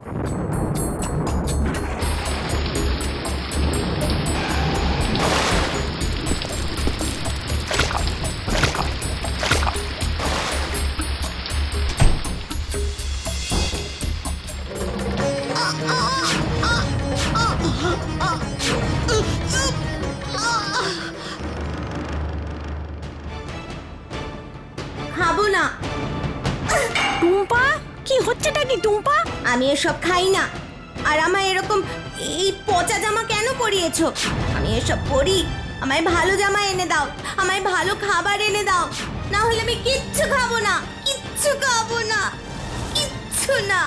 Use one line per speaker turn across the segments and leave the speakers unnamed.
খাবো না।
টুম্পা, কি হচ্ছেটা কি টুম্পা?
আমি এসব খাই না। আর আমায় এরকম এই পচা জামা কেন পরিয়েছো? আমি এসব পরি, আমায় ভালো জামা এনে দাও, আমায় ভালো খাবার এনে দাও, না হলে আমি কিচ্ছু খাবো না, কিচ্ছু খাবো না, কিচ্ছু না।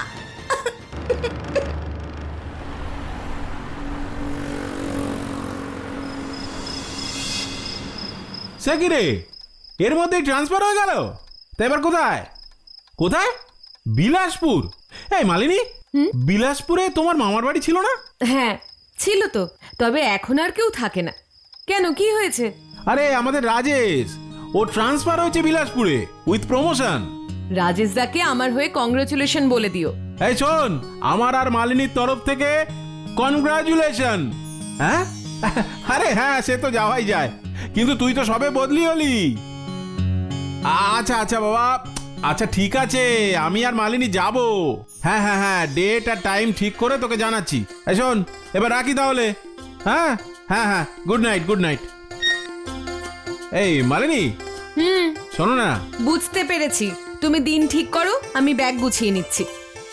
সে কি রে, এর মধ্যেই ট্রান্সফার হয়ে গেল? তা এবার কোথায় কোথায়? বিলাসপুর? এই মালিনী, বিলাসপুরে তোমার মামার বাড়ি ছিল না?
হ্যাঁ ছিল তো, তবে এখন আর কেউ থাকে না। কেন, কি হয়েছে?
আরে আমাদের রাজেশ, ও ট্রান্সফার হয়েছে বিলাসপুরে উইথ প্রমোশন।
রাজেশ দাকে আমার হয়ে কংগ্রেচুলেশন বলে দিও।
এই শোন, আমার আর মালিনীর তরফ থেকে কনগ্রাচুলেশন। হ্যাঁ, আরে হ্যাঁ, সে তো যাওয়াই যায়, কিন্তু তুই তো সবে বদলি হলি। আচ্ছা আচ্ছা বাবা, আচ্ছা ঠিক আছে, আমি আর মালিনী যাব। হ্যাঁ হ্যাঁ হ্যাঁ, ডেট আর টাইম ঠিক করে তোকে জানাচ্ছি। এই শোন, এবার রাখি তাহলে। হ্যাঁ হ্যাঁ হ্যাঁ, গুড নাইট গুড নাইট। এই মালিনী, শোনো না।
বুঝতে পেরেছি, তুমি দিন ঠিক করো, আমি ব্যাগ গুছিয়ে নিচ্ছি।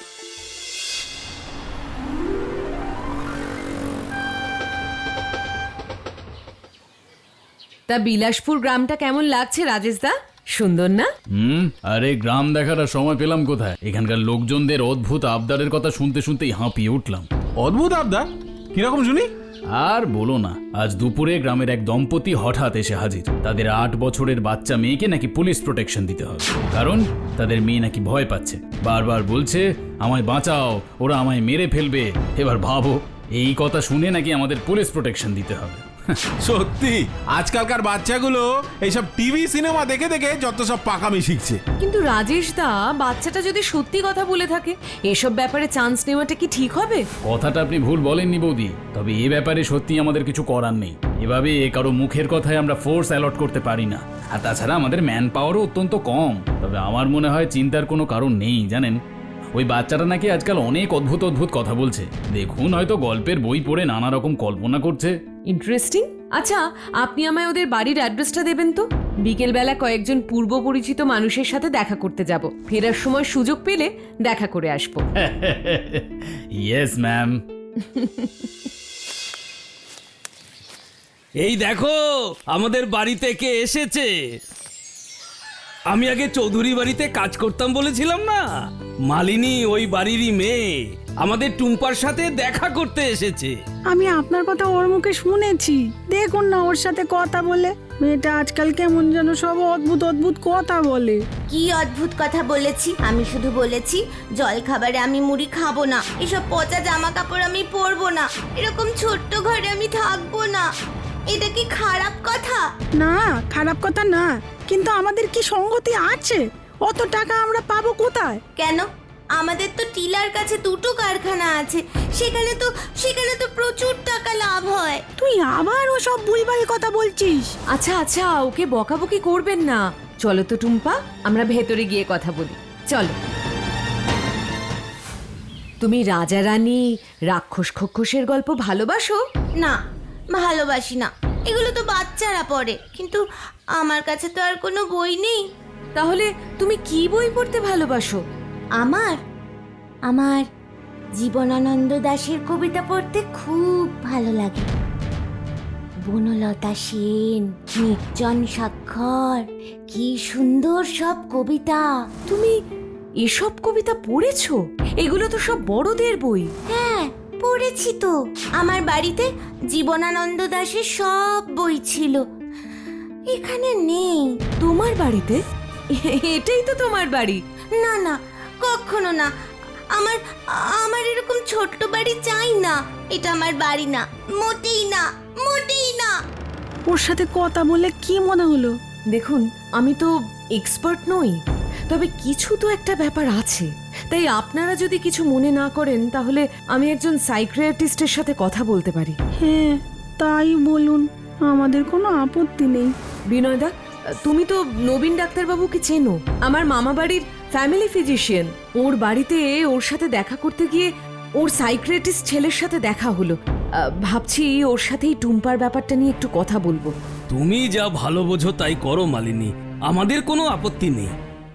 তা বিলাসপুর গ্রামটা কেমন লাগছে রাজেশ দা? সুন্দর না?
আরে গ্রাম দেখার আর সময় পেলাম কোথায়? এখানকার লোকজনদের অদ্ভুত আবদারের কথা শুনতে শুনতেই হাঁপিয়ে উঠলাম।
অদ্ভুত আবদার? কিরকম শুনি?
আর বলো না, আজ দুপুরে গ্রামের এক দম্পতি হঠাৎ এসে হাজির। তাদের 8 বছরের বাচ্চা মেয়েকে নাকি পুলিশ প্রোটেকশন দিতে হবে, কারণ তাদের মেয়ে নাকি ভয় পাচ্ছে। বারবার বলছে আমায় বাঁচাও, ওরা আমায় মেরে ফেলবে। এবার ভাবো, এই কথা শুনে নাকি আমাদের পুলিশ প্রোটেকশন দিতে হবে।
সত্যি আজকালকার বাচ্চাগুলো এইসব টিভি সিনেমা দেখে দেখে যত সব পাকামি শিখছে।
কিন্তু রাজেশ দা, বাচ্চাটা যদি সত্যি কথা বলে থাকে, এসব ব্যাপারে চান্স নেওয়াটা কি ঠিক হবে?
কথাটা আপনি ভুল বলেননি বৌদি, তবে এ ব্যাপারে সত্যি আমাদের কিছু করার নেই। এভাবে কারো মুখের কথায় আমরা ফোর্স অ্যালট করতে পারি না, আর তাছাড়া আমাদের ম্যান পাওয়ারও অত্যন্ত কম। তবে আমার মনে হয় চিন্তার কোনো কারণ নেই, জানেন। ওই বাচ্চাটা নাকি আজকাল অনেক অদ্ভুত অদ্ভুত কথা বলছে। দেখুন, হয়তো গল্পের বই পড়ে নানা রকম কল্পনা করছে।
ইন্টারেস্টিং। আচ্ছা, আপনি আমায় ওদের বাড়ির অ্যাড্রেসটা দেবেন তো? বিকেলবেলা কয়েকজন পূর্ব পরিচিত মানুষের সাথে দেখা করতে যাব, ফেরার সময় সুযোগ পেলে দেখা করে আসবো।
Yes ma'am.
এই দেখো আমাদের বাড়িতে কে এসেছে। আমি আগে চৌধুরী বাড়িতে কাজ করতাম বলেছিলাম না, মালিনী ওই বাড়িরই মেয়ে, আমাদের টুম্পার সাথে দেখা করতে এসেছে।
আমি আপনার কথা ওর মুখে শুনেছি। দেখুন না ওর সাথে কথা বলে, মেয়েটা আজকাল কেমন যেন সব অদ্ভুত অদ্ভুত কথা বলে।
কি অদ্ভুত কথা বলেছি? আমি শুধু বলেছি জল খাবারে আমি মুড়ি খাবো না, এসব পচা জামা কাপড় আমি পরবো না, এরকম ছোট্ট ঘরে আমি থাকবো না। এটা কি খারাপ কথা?
না, খারাপ কথা না, কিন্তু আমাদের কি সঙ্গতি আছে? অত টাকা আমরা পাবো কোথায়?
কেন? আমাদের তো টিলার কাছে 2টো কারখানা আছে, সেখানে তো প্রচুর টাকা লাভ হয়।
তুই আবার ও সব ভুলভাল কথা বলছিস।
আচ্ছা আচ্ছা, ওকে বকাবকি করবেন না। চলো তো টুম্পা, আমরা ভেতরে গিয়ে কথা বলি, চলো। তুমি রাজা রানী, রাক্ষস খক্ষসের গল্প ভালোবাসো?
না, ভালোবাসি না, এগুলো তো বাচ্চারা পড়ে, কিন্তু আমার কাছে তো আর কোনো বই নেই।
তাহলে তুমি কি বই পড়তে ভালোবাসো?
আমার জীবনানন্দ দাশের কবিতা পড়তে খুব ভালো লাগে। বনলতা সেন, নির্জন স্বাক্ষর, কি সুন্দর সব কবিতা।
তুমি এসব কবিতা পড়েছো? এগুলো তো সব বড়দের বই।
হ্যাঁ, পড়েছি তো। আমার বাড়িতে জীবনানন্দ দাশের সব বই ছিল, এখানে নেই।
তোমার বাড়িতে? এটাই তো তোমার বাড়ি।
না না, কখনো না। আমার এরকম ছোট্ট বাড়ি চাই না। এটা আমার বাড়ি না, মোটেই না, মোটেই না।
ওর সাথে কথা বলে কি মনে হলো?
দেখুন, আমি তো এক্সপার্ট নই, তবে কিছু তো একটা ব্যাপার আছে। তাই আপনারা যদি কিছু মনে না করেন তাহলে আমি একজন সাইকিয়াট্রিস্টের সাথে কথা বলতে পারি।
হ্যাঁ, তাই বলুন, আমাদের কোনো আপত্তি নেই।
বিনয়দা, তুমি তো নবীন ডাক্তারবাবুকে চেনো, আমার মামা বাড়ির ফ্যামিলি ফিজিশিয়ান। ওর বাড়িতে ওর সাথে দেখা করতে গিয়ে ওর সাইকিয়াট্রিস্ট ছেলের সাথে দেখা হলো। ভাবছি ওর সাথেই টুম্পার ব্যাপারটা নিয়ে একটু কথা বলবো।
তুমি যা ভালো বোঝো তাই করো মালিনী, আমাদের কোনো আপত্তি নেই।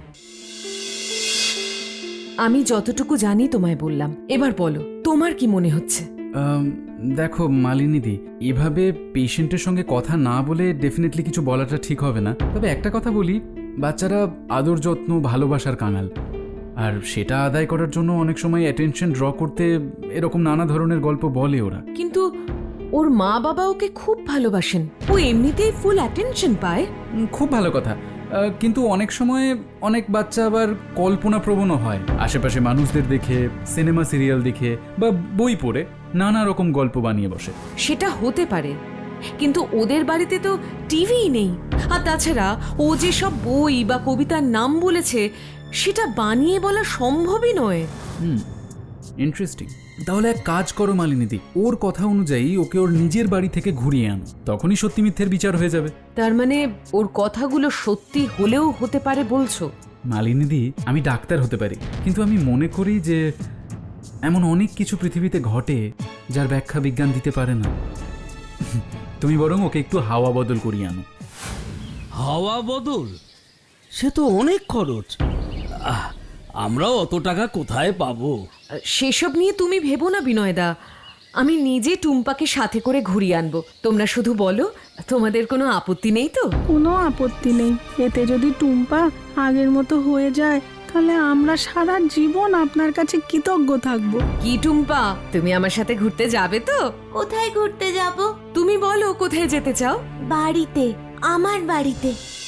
আমি যতটুকু জানি তোমায় বললাম, এবার বলো তোমার কি মনে হচ্ছে?
দেখো মালিনীদি, এভাবে পেশেন্টের সঙ্গে কথা না বলে ডেফিনেটলি কিছু বলাটা ঠিক হবে না। তবে একটা কথা বলি, বাচ্চারা আদর যত্ন ভালোবাসার কাঙাল, আর সেটা আদায় করার জন্য অনেক সময় অ্যাটেনশন ড্র করতে এরকম নানা ধরনের গল্প বলে ওরা।
কিন্তু ওর মা বাবা ওকে খুব ভালোবাসেন, ও এমনিতেই ফুল অ্যাটেনশন পায়।
খুব ভালো কথা, কিন্তু অনেক সময় অনেক বাচ্চা আবার কল্পনাপ্রবণও হয়, আশেপাশে মানুষদের দেখে, সিনেমা সিরিয়াল দেখে বা বই পড়ে নানা রকম গল্প বানিয়ে বসে।
সেটা হতে পারে, কিন্তু ওদের বাড়িতে তো টিভিই নেই। আর তাছাড়া ও যে সব বই বা কবিতার নাম বলেছে সেটা বানিয়ে বলা সম্ভবই নয়।
ইন্টারেস্টিং। তাহলে এক কাজ করো মালিনীদি, ওর কথা অনুযায়ী ওকে ওর নিজের বাড়ি থেকে ঘুরিয়ে আনো, তখনই সত্যি মিথ্যের বিচার হয়ে যাবে।
তার মানে ওর কথাগুলো সত্যি হলেও হতে পারে বলছো?
মালিনীদি, আমি ডাক্তার হতে পারি, কিন্তু আমি মনে করি যে এমন অনেক কিছু পৃথিবীতে ঘটে যার ব্যাখ্যা বিজ্ঞান দিতে পারে না। তুমি বরং ওকে একটু হাওয়া বদল করিয়ে আনো।
হাওয়া বদল? সে তো অনেক খরচ। আমরাও অত টাকা কোথায় পাবো?
সেসব নিয়ে তুমি ভেবো না বিনয়দা, আমি নিজে টুম্পাকে সাথে করে ঘুরিয়ে আনবো। তোমরা শুধু বলো তোমাদের কোনো আপত্তি নেই তো?
কোনো আপত্তি নেই। এতে যদি টুম্পা আগের মতো হয়ে যায় তাহলে আমরা সারা জীবন আপনার কাছে কৃতজ্ঞ থাকবো।
কি টুম্পা, তুমি আমার সাথে ঘুরতে যাবে তো?
কোথায় ঘুরতে যাব?
তুমি বলো কোথায় যেতে চাও?
বাড়িতে, আমার বাড়িতে।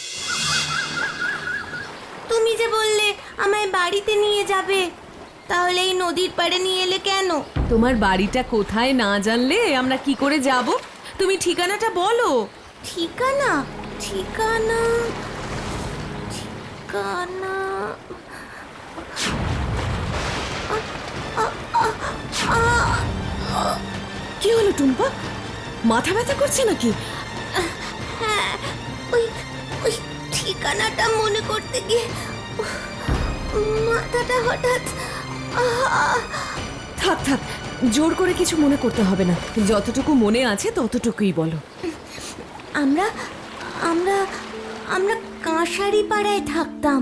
তুমি যে বললে আমায় বাড়িতে নিয়ে যাবে, তাহলে এই নদীর পাড়ে নিয়ে এলে কেন?
তোমার বাড়িটা কোথায় না জানলে আমরা কি করে যাব? তুমি ঠিকানাটা বলো।
ঠিকানা? ঠিকানা ঠিকানা
কি হলো টুম্পা, মাথা ব্যথা করছে নাকি?
হ্যাঁ, ওই ওই ঠিকানাটা মনে করতে গিয়ে মাথাটা হঠাৎ
থাক থাক, জোর করে কিছু মনে করতে হবে না, যতটুকু মনে আছে ততটুকুই বলো।
আমরা আমরা আমরা কাঁসারি পাড়ায় থাকতাম।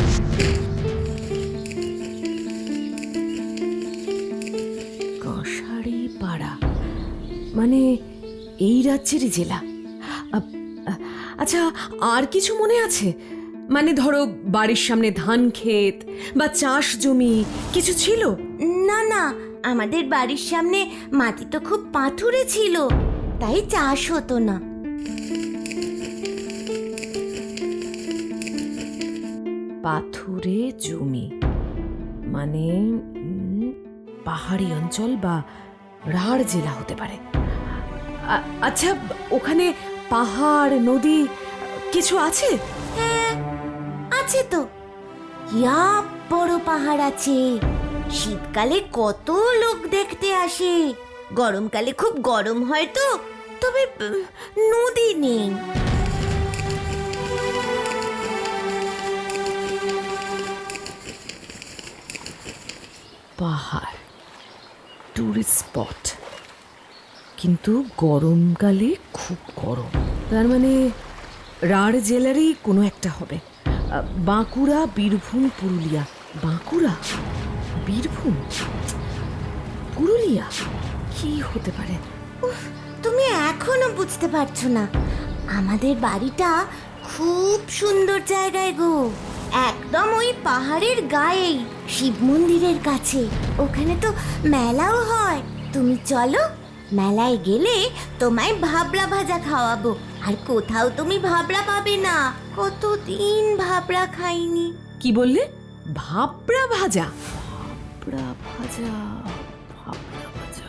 কাঁসারি পাড়া মানে এই রাজ্যেরই জেলা? আচ্ছা, আর কিছু মনে আছে? মানে ধরো বাড়ির সামনে ধান ক্ষেত বা চাষ জমি কিছু ছিল?
না না, আমাদের বাড়ির সামনে মাটি তো খুব পাথুরে ছিল, তাই চাষ হতো না।
পাথুরে জমি মানে পাহাড়ি অঞ্চল বা রাঢ় জেলা হতে পারে। আচ্ছা, ওখানে পাহাড় নদী কিছু আছে?
হ্যাঁ আছে তো, ইয়া বড় পাহাড় আছে। শীতকালে কত লোক দেখতে আসে, গরমকালে খুব গরম হয় তো, তবে নদী নেই।
পাহাড়, টুরিস্ট স্পট, কিন্তু গরমকালে খুব গরম। তার মানে রাঢ় জেলারই কোনো একটা হবে। বাঁকুড়া, বীরভূম, পুরুলিয়া। বাঁকুড়া, বীরভূম, পুরুলিয়া, কি হতে পারে?
উফ, তুমি এখনো বুঝতে পারছো না? আমাদের বাড়িটা খুব সুন্দর জায়গায় গো, একদম ওই পাহাড়ের গায়েই, শিব মন্দিরের কাছে। ওখানে তো মেলাও হয়। তুমি চলো, মেলায় গেলে তোমায় ভাবরা ভাজা খাওয়াবো। আর কোথাও তুমি ভাবরা পাবে না, কতদিন ভাবরা খাইনি।
কি বললে? ভাবরা ভাজা? ভাবরা ভাজা, ভাবরা ভাজা,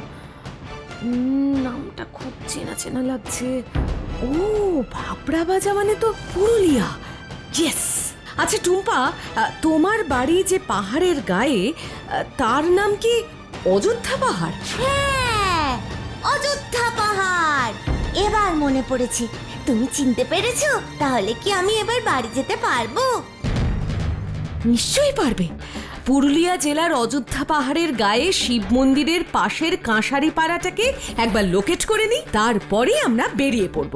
নামটা খুব চেনা চেনা লাগছে। ও, ভাবরা ভাজা মানে তো পুরুলিয়া। ইয়েস, আচ্ছা টুম্পা, তোমার বাড়ি যে পাহাড়ের গায়ে, তার নাম কি অযোধ্যা পাহাড়?
হ্যাঁ, অযোধ্যা পাহাড়। এবার মনে পড়েছে, তুমি চিনতে পেরেছো? তাহলে কি আমি এবার বাড়ি যেতে পারবো?
নিশ্চয়ই পারবে। পুরুলিয়া জেলার অযোধ্যা পাহাড়ের গায়ে শিব মন্দিরের পাশের কাঁসারি পাড়াটাকে একবার লোকেট করে নিই, তারপরে আমরা বেরিয়ে পড়ব।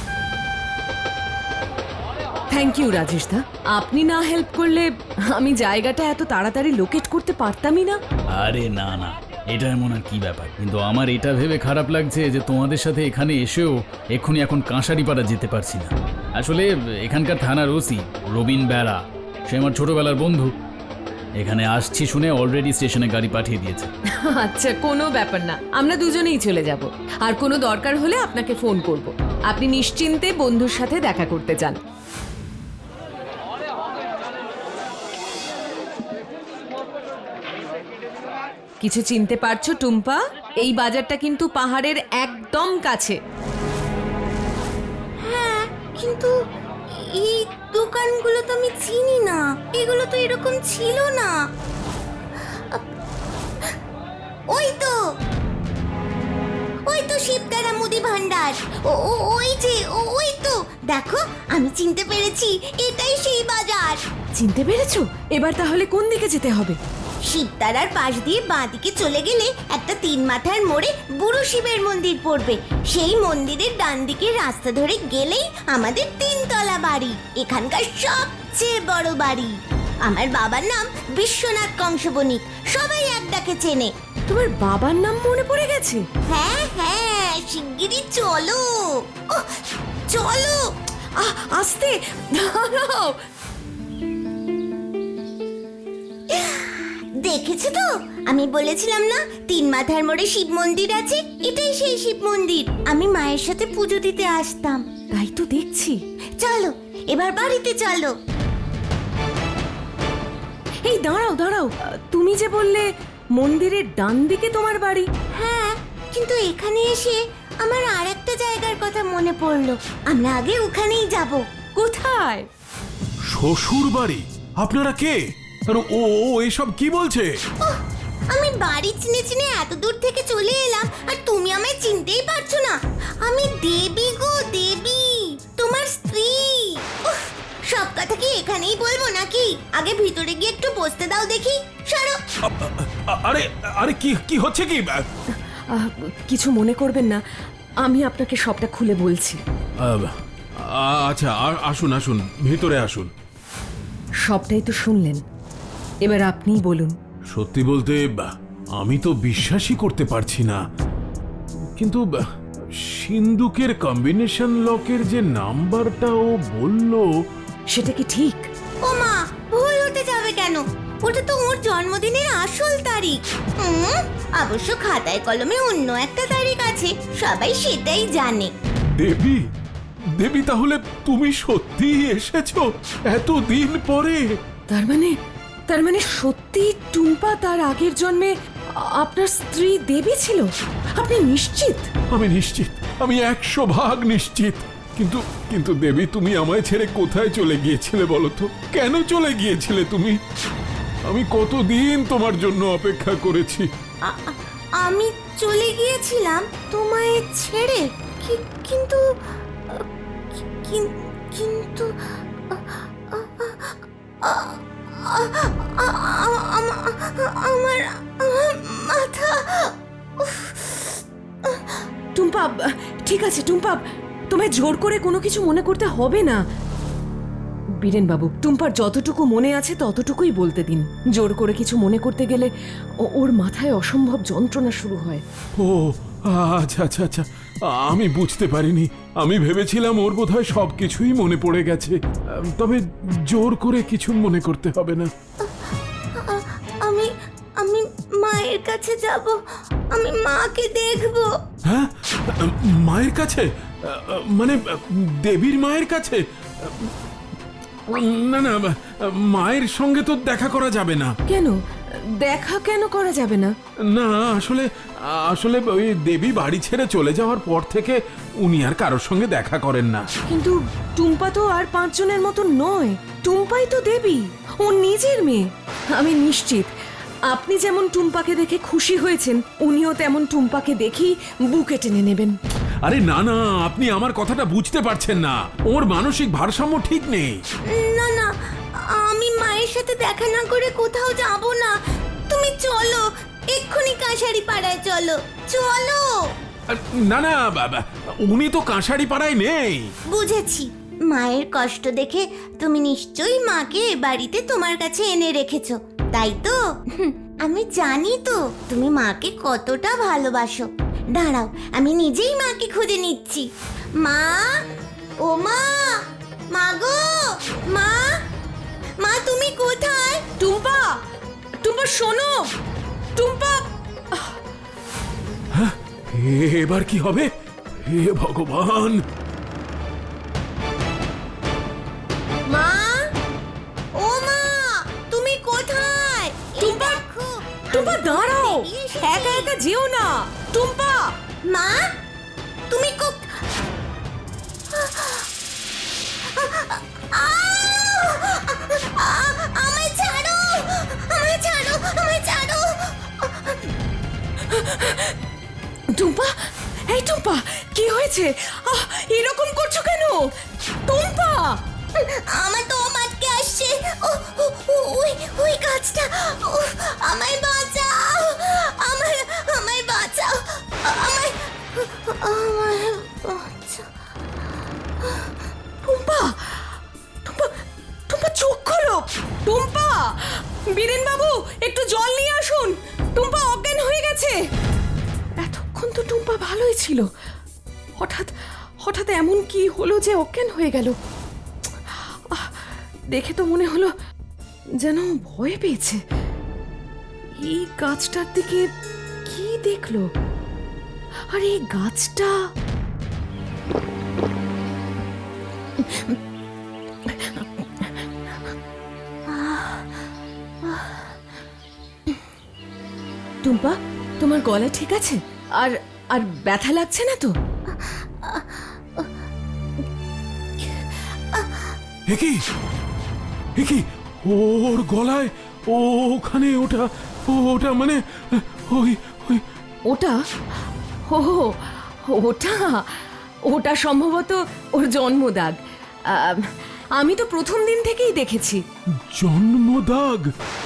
থ্যাংক ইউ রাজেশ দা, আপনি না হেল্প করলে আমি জায়গাটা এত তাড়াতাড়ি লোকেট করতে পারতামই না।
আরে না না, এটা এমন আর কি ব্যাপার, কিন্তু আমার এটা ভেবে খারাপ লাগছে যে তোমাদের সাথে এখানে এসেও এক্ষুনি এখন কাঁসারিপাড়া যেতে পারছি না। আসলে এখানকার থানার ওসি রবিন বেরা, সে আমার ছোটবেলার বন্ধু, এখানে আসছি শুনে অলরেডি স্টেশনে গাড়ি পাঠিয়ে দিয়েছে।
আচ্ছা, কোনো ব্যাপার না, আমরা দুজনেই চলে যাব। আর কোনো দরকার হলে আপনাকে ফোন করব। আপনি নিশ্চিন্তে বন্ধুর সাথে দেখা করতে চান। কিছু চিনতে পারছো টুম্পা? এই বাজারটা কিন্তু পাহাড়ের একদম কাছে।
হ্যাঁ, কিন্তু এই দোকানগুলো তো আমি চিনি না। এগুলো তো এরকম ছিল না। ওই তো শিবদারা মুদি ভান্ডার। ওই তো দেখো, আমি চিনতে পেরেছি, এটাই সেই বাজার।
চিনতে পেরেছো? এবার তাহলে কোন দিকে যেতে হবে?
শিবতারার পাশ দিয়ে বাঁদিকে চলে গেলে একটা 3 মাথার মোড়ে বুড়ো শিবের মন্দির পড়বে। সেই মন্দিরের ডান দিকে রাস্তা ধরে গেলেই আমাদের 3 তলা বাড়ি, এখানকার সবচেয়ে বড় বাড়ি। আমার বাবার নাম বিশ্বনাথ কংসবণিক, সবাই এক ডাকে চেনে।
তোমার বাবার নাম মনে পড়ে গেছে?
হ্যাঁ হ্যাঁ, শিগগিরই চলো। ওহ, চলো।
আস্তে, দাঁড়াও।
দেখেছো তো, আমি বলেছিলাম না 3 মাথার মোড়ে শিব মন্দির আছে, এটাই সেই শিব মন্দির। আমি মায়ের সাথে পুজো দিতে আসতাম।
তাই তো দেখছি।
চলো এবার বাড়িতে চলো।
এই দাঁড়াও দাঁড়াও, তুমি যে বললে মন্দিরের ডান দিকে তোমার বাড়ি?
হ্যাঁ, কিন্তু এখানে এসে আমার আর একটা জায়গার কথা মনে পড়লো। আমরা আগে ওখানেই যাব।
কোথায়?
শ্বশুর বাড়ি? আপনারা কে? আর ও এসব কি বলছে?
ওহ, আমি বাড়ি চিনে চিনে এত দূর থেকে চলে এলাম, আর তুমি আমায় চিনতেই পারছো না। আমি দেবী গো, দেবী, তোমার স্ত্রী। উফ, সব কথা কি এখানেই বলবো নাকি? আগে ভিতরে গিয়ে একটু বসতে দাও দেখি। সরো।
আরে আরে কি হচ্ছে কি?
কিছু মনে করবেন না, আমি আপনাকে সবটা খুলে বলছি।
আচ্ছা, আসুন আসুন, ভিতরে আসুন।
সবটাই তো শুনলেন, এবার আপনিই বলুন।
সত্যি বলতে আমি তো বিশ্বাসই করতে পারছি না, কিন্তু সিন্দুকের কম্বিনেশন লকের যে নাম্বারটা ও বলল,
সেটা কি ঠিক?
ও মা, ভুল হতে যাবে কেন? ওটা তো ওর জন্মদিনের আসল তারিখ। অবশ্য খাতায় কলমে অন্য একটা তারিখ আছে, সবাই সেটাই জানে।
দেবী তাহলে তুমি সত্যিই এসেছো এতদিন পরে?
তার মানে সত্যি টুম্পা তার আগের জন্মে আপনার স্ত্রী দেবী ছিল? আপনি নিশ্চিত?
আমি নিশ্চিত, আমি 100% নিশ্চিত। কিন্তু দেবী, তুমি আমায় ছেড়ে কোথায় চলে গিয়েছিলে বলো তো? কেন চলে গিয়েছিলে তুমি? আমি কতদিন তোমার জন্য অপেক্ষা করেছি।
আমি চলে গিয়েছিলাম তোমায় ছেড়ে, কিন্তু কিন্তু আমার মাথা।
টুম্পা, ঠিক আছে টুম্পা, তোমায় জোর করে কোনো কিছু মনে করতে হবে না। বীরেন বাবু, টুম্পার যতটুকু মনে আছে ততটুকুই বলতে দিন। জোর করে কিছু মনে করতে গেলে ওর মাথায় অসম্ভব যন্ত্রণা শুরু হয়।
ও আচ্ছা আচ্ছা আচ্ছা, আমি বুঝতে পারিনি। আমি ভেবেছিলাম ওর বোধহয় সবকিছুই মনে পড়ে গেছে। তবে জোর করে কিছু মনে করতে হবে না।
আমি মায়ের কাছে যাব, আমি মাকে দেখব।
হ্যাঁ, মায়ের কাছে? মানে দেবীর মায়ের কাছে? না না, মায়ের সঙ্গে তো দেখা করা যাবে না।
কেন? দেখা কেন করা যাবে না?
না আসলে আসলে ওই দেবী বাড়ি ছেড়ে চলে যাওয়ার পর থেকে উনি আর কারোর সঙ্গে দেখা করেন না।
কিন্তু টুম্পা তো আর 5 জনের মতো নয়। টুম্পাই তো দেবী, ও নিজের মেয়ে। আমি নিশ্চিত আপনি যেমন টুম্পাকে দেখে খুশি হয়েছেন, উনিও তেমন টুম্পাকে দেখেই বুকে টেনে নেবেন।
আরে না না, আপনি আমার কথাটা বুঝতে পারছেন না। ওর মানসিক ভারসাম্য ঠিক নেই।
না না, আমি মায়ের সাথে দেখা না করে কোথাও যাব না। তুমি চলো, এক্ষুনি কাঁসারি পাড়ায় চলো, চলো।
না না বাবা, উনি তো কাঁসারি পাড়ায় নেই।
বুঝেছি, মায়ের কষ্ট দেখে তুমি নিশ্চয়ই মাকে এ বাড়িতে তোমার কাছে এনে রেখেছো, তাই তো? আমি জানি তো তুমি মাকে কতটা ভালোবাসো। দাঁড়াও, আমি নিজেই মাকে খুঁজে নিচ্ছি। মা, ও মা, মা গো, মা, মা তুমি কোথায়?
টুম্পা, টুম্পা শোনো, টুম্পা।
এবার কি হবে? হে ভগবান!
মা, ও মা, তুমি কোথায়?
টুম্পা, টুম্পা দাঁড়াও, একা একা যেও না। টুম্পা,
মা, তুমি আমায় ছাড়ো, আমায় ছাড়ো, আমায় ছাড়ো।
টুম্পা, এই টুম্পা, কি হয়েছে? এরকম করছো কেন টুম্পা?
আমার তো মাঠকে আসছে। ওই গাছটা, আমায় বাঁচাও, আমায় বাঁচাও, আমায় বাঁচাও।
টুম্পা, টুম্পা, টুম্পা চোখ খোলো। টুম্পা, বীরেন বাবু একটু জল নিয়ে আসুন। টুম্পা অজ্ঞান হয়ে গেছে। এতক্ষণ তো টুম্পা ভালোই ছিল, হঠাৎ হঠাৎ এমন কি হলো যে অজ্ঞান হয়ে গেল? দেখে তো মনে হলো যেন ভয় পেয়েছে। এই গাছটার দিকে কি দেখলো? আর এই গাছটা টুম্পা, তোমার গলা ঠিক আছে? আর আর ব্যথা লাগছে না তো?
একি একি, ওর গলায় ওখানে ওটা মানে ওই ওই
ওটা, ও ওটা ওটা সম্ভবত ওর জন্মদাগ। আমি তো প্রথম দিন থেকেই দেখেছি।
জন্মদাগ?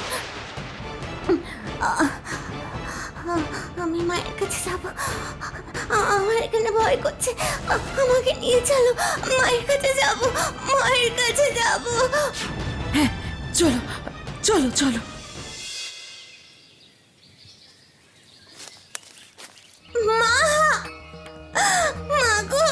আমি মায়ের কাছে যাব। আমার এখানে ভয় করছে, আমাকে নিয়ে চলো। মায়ের কাছে যাব, মায়ের কাছে যাব।
হ্যাঁ, চলো চলো চলো।
মা, মা গো,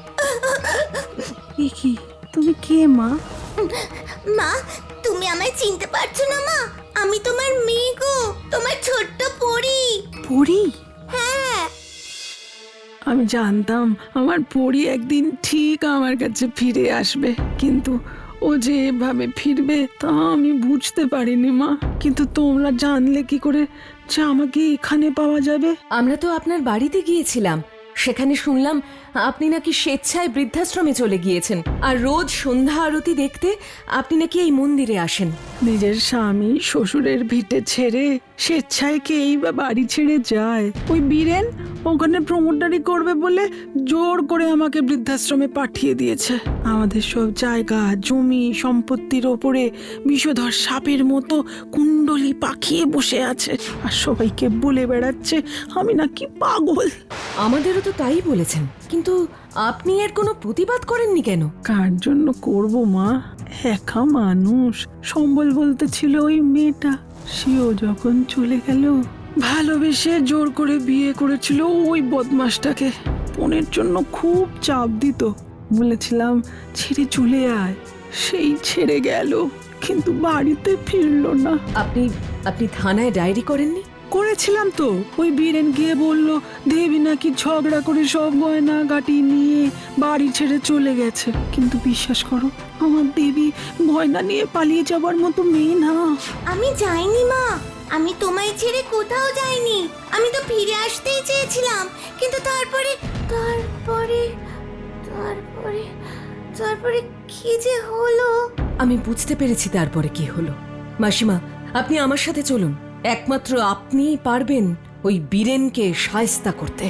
কি তুমি কে মা?
মা তুমি আমায় চিনতে পারছো না? মা, আমি তোমার মেয়ে গো, তোমার ছোট্ট পরী।
পরি?
হ্যাঁ,
আমি জানতাম আমার পরি একদিন ঠিক আমার কাছে ফিরে আসবে, কিন্তু ও যে এভাবে ফিরবে তা আমি বুঝতে পারিনি মা। কিন্তু তোমরা জানলে কি করে যে আমাকে এখানে পাওয়া যাবে?
আমরা তো আপনার বাড়িতে গিয়েছিলাম, সেখানে শুনলাম আপনি নাকি স্বেচ্ছায় বৃদ্ধাশ্রমে চলে গিয়েছেন, আর রোজ সন্ধ্যা আরতি দেখতে আপনি নাকি এই মন্দিরে আসেন।
নিজের স্বামী শ্বশুরের ভিটে ছেড়ে স্বেচ্ছায় কেই বা বাড়ি ছেড়ে যায়? ওই বীরেন ওখানে প্রমোটারি করবে বলে জোর করে আমাকে বৃদ্ধাশ্রমে পাঠিয়ে দিয়েছে। আমাদের সব জায়গা জমি সম্পত্তির ওপরে বিষধর সাপের মতো কুণ্ডলি পাকিয়ে বসে আছে, আর সবাইকে বলে বেড়াচ্ছে আমি নাকি পাগল।
আমাদেরও তো তাই বলেছেন, কিন্তু আপনি এর কোনো প্রতিবাদ করেননি কেন?
কার জন্য করব মা? একা মানুষ। সম্বল বলতে ছিল ওই মেয়েটা, সেও যখন চলে গেল, ভালোবেসে জোর করে বিয়ে করেছিল ওই বদমাসটাকে। বোনের জন্য খুব চাপ দিত, বলেছিলাম ছেড়ে চলে আয়, সেই ছেড়ে গেল, কিন্তু বাড়িতে ফিরলো না।
আপনি আপনি থানায় ডায়েরি করেননি?
করেছিলাম তো। ওই বীরেন গিয়ে বলল দেবী নাকি ঝগড়া করে সব গয়না গাটি নিয়ে বাড়ি ছেড়ে চলে গেছে, কিন্তু বিশ্বাস করো আমার দেবী গয়না নিয়ে পালিয়ে যাবার মতো মেয়ে না।
আমি যাইনি মা, আমি তোমায় ছেড়ে কোথাও যাইনি। আমি তো ফিরে আসতেই চেয়েছিলাম, কিন্তু তারপরে তারপরে তারপরে তারপরে কি যে হলো।
আমি বুঝতে পেরেছি তারপরে কি হলো। মাসিমা, আপনি আমার সাথে চলুন। একমাত্র আপনিই পারবেন ওই বীরেনকে শায়েস্তা করতে।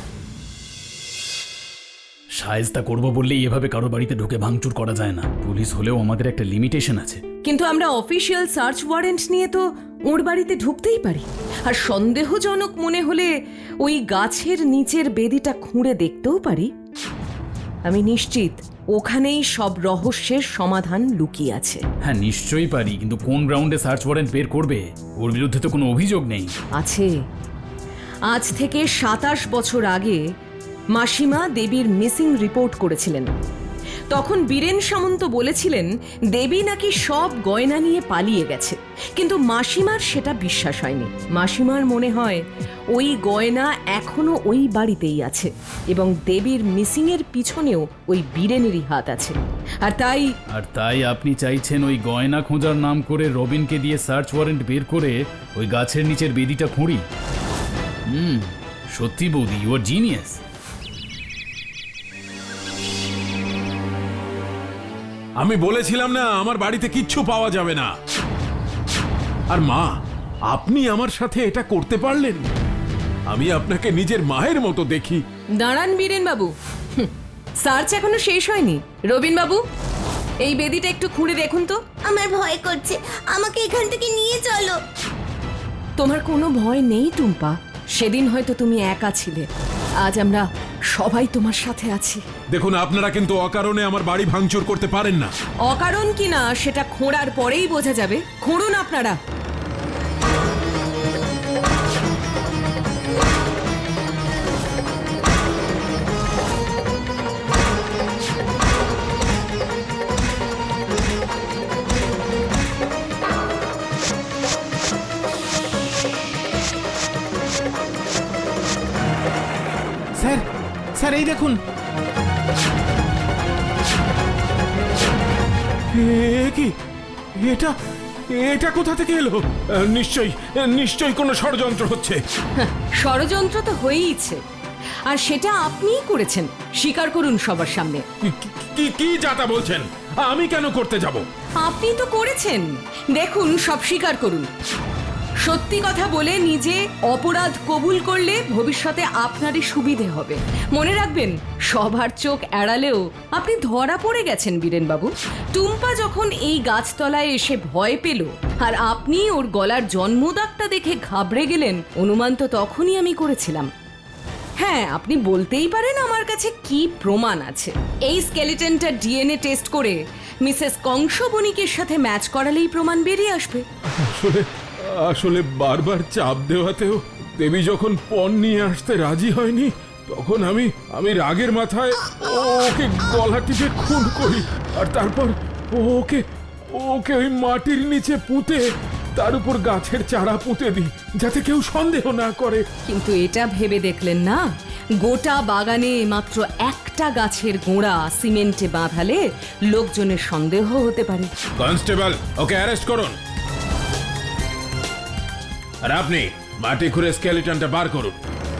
সায়স্তা করব বললেই এভাবে কারো বাড়িতে ঢুকে ভাঙচুর করা যায় না। পুলিশ হলেও আমাদের একটা লিমিটেশন আছে।
কিন্তু আমরা অফিসিয়াল সার্চ ওয়ারেন্ট নিয়ে তো ওর বাড়িতে ঢুকতেই পারি। আর সন্দেহজনক মনে হলে ওই গাছের নিচের বেদিটা খুঁড়ে দেখতেও পারি। আমি নিশ্চিত ওখানেই সব রহস্যের সমাধান লুকিয়ে আছে।
হ্যাঁ নিশ্চয়ই পারি, কিন্তু কোন গ্রাউন্ডে সার্চ ওয়ারেন্ট বের করবে? ওর বিরুদ্ধে তো কোনো অভিযোগ নেই।
আছে। আজ থেকে 27 বছর আগে মাসিমা দেবীর মিসিং রিপোর্ট করেছিলেন। তখন বীরেন সামন্ত বলেছিলেন দেবী নাকি সব গয়না নিয়ে পালিয়ে গেছে, কিন্তু মাসিমার সেটা বিশ্বাস হয়নি। মাসিমার মনে হয় ওই গয়না এখনো ওই বাড়িতেই আছে এবং দেবীর মিসিং এর পিছনেও ওই বীরেনেরই হাত আছে। আর তাই
আপনি চাইছেন ওই গয়না খোঁজার নাম করে রবিনকে দিয়ে সার্চ ওয়ারেন্ট বের করে ওই গাছের নিচের বেদিটা খুঁড়ি? সত্যি বৌদি, ইউ আর জিনিয়াস।
আমি বলেছিলাম না আমার বাড়িতে কিচ্ছু পাওয়া যাবে না। আর মা, আপনি আমার সাথে এটা করতে পারলেন? আমি আপনাকে নিজের মায়ের মতো দেখি।
দাঁড়ান বীরেন বাবু, সার্চ এখনো শেষ হয়নি। রবিন বাবু, এই বেদিটা একটু খুঁড়ে দেখুন তো।
আমার ভয় করছে, আমাকে এখান থেকে নিয়ে চলো।
তোমার কোনো ভয় নেই টুম্পা। সেদিন হয়তো তুমি একা ছিলে, আজ আমরা সবাই তোমার সাথে আছি।
দেখুন, আপনারা কিন্তু অকারণে আমার বাড়ি ভাঙচুর করতে পারেন না।
অকারণ কিনা সেটা খোঁড়ার পরেই বোঝা যাবে। খুঁড়ুন আপনারা।
স্যার, স্যার এই দেখুন। কি এটা? এটা কোথা থেকে এলো? নিশ্চয়ই কোনো ষড়যন্ত্র হচ্ছে।
ষড়যন্ত্র তো হয়েইছে, আর সেটা আপনিই করেছেন। স্বীকার করুন সবার সামনে।
কি যাতা বলছেন? আমি কেন করতে যাব?
আপনি তো করেছেন। দেখুন, সব স্বীকার করুন। সত্যি কথা বলে নিজে অপরাধ কবুল করলে ভবিষ্যতে আপনারই সুবিধে হবে। মনে রাখবেন, সবার চোখ এড়ালেও আপনি ধরা পড়ে গেছেন বীরেন বাবু। টুম্পা যখন এই গাছতলায় এসে ভয় পেল আর আপনি ওর গলার জন্মদাগটা দেখে ঘাবড়ে গেলেন, অনুমান তো তখনই আমি করেছিলাম। হ্যাঁ, আপনি বলতেই পারেন আমার কাছে কি প্রমাণ আছে। এই স্কেলিটনটা ডিএনএ টেস্ট করে মিসেস কংস বণিকের সাথে ম্যাচ করালেই প্রমাণ বেরিয়ে আসবে।
আসলে বারবার চাপ দেওয়াতেও দেবী যখন পণ নিয়ে আসতে রাজি হয়নি, তখন আমি রাগের মাথায় ওকে গলা টিপে খুন করি। আর তারপর ওকে ওই মাটির নিচে পুঁতে তার উপর গাছের চারা পুঁতে দিই, যাতে কেউ সন্দেহ না করে।
কিন্তু এটা ভেবে দেখলেন না, গোটা বাগানে মাত্র একটা গাছের গোড়া সিমেন্টে বাঁধালে লোকজনের সন্দেহ হতে পারে।
কনস্টেবল, ওকে অ্যারেস্ট করুন। আর আপনি মাটি খুঁড়ে স্কেলিটনটা বার করুন।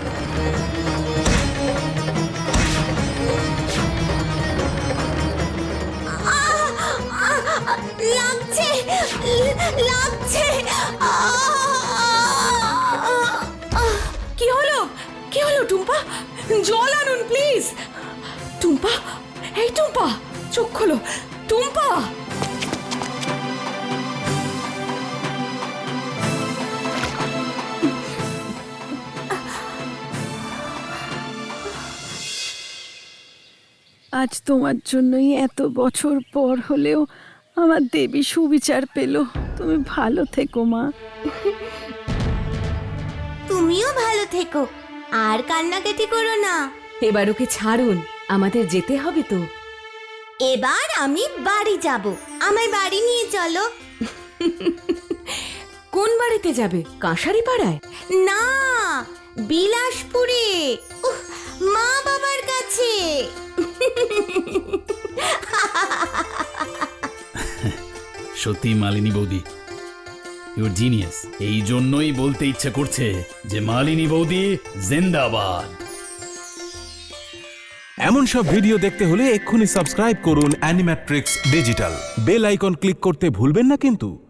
লাগছে, লাগছে।
কি হলো? কি হলো টুম্পা? জল আনুন প্লিজ। টুম্পা, এই টুম্পা, চোখ খোলো। টুম্পা,
আজ তোমার জন্যই এত বছর পর হলেও আমার দেবী সুবিচার পেল। তুমি ভালো থেকো মা।
তুমিও ভালো থেকো, আর কান্নাকাটি করো না।
এবার ওকে ছাড়ুন, আমাদের যেতে হবে তো।
এবার আমি বাড়ি যাব, আমায় বাড়ি নিয়ে চলো।
কোন বাড়িতে যাবে? কাঁসারি পাড়ায়?
না, বিলাসপুরে, মা বাবার কাছে।
সত্যি মালিনী বৌদি, ইউর জিনিয়াস। এই জন্যই বলতে ইচ্ছে করছে যে মালিনী বৌদি জিন্দাবাদ।
এমন সব ভিডিও দেখতে হলে এক্ষুনি সাবস্ক্রাইব করুন Animatrix digital. Bell icon click করতে ভুলবেন না কিন্তু।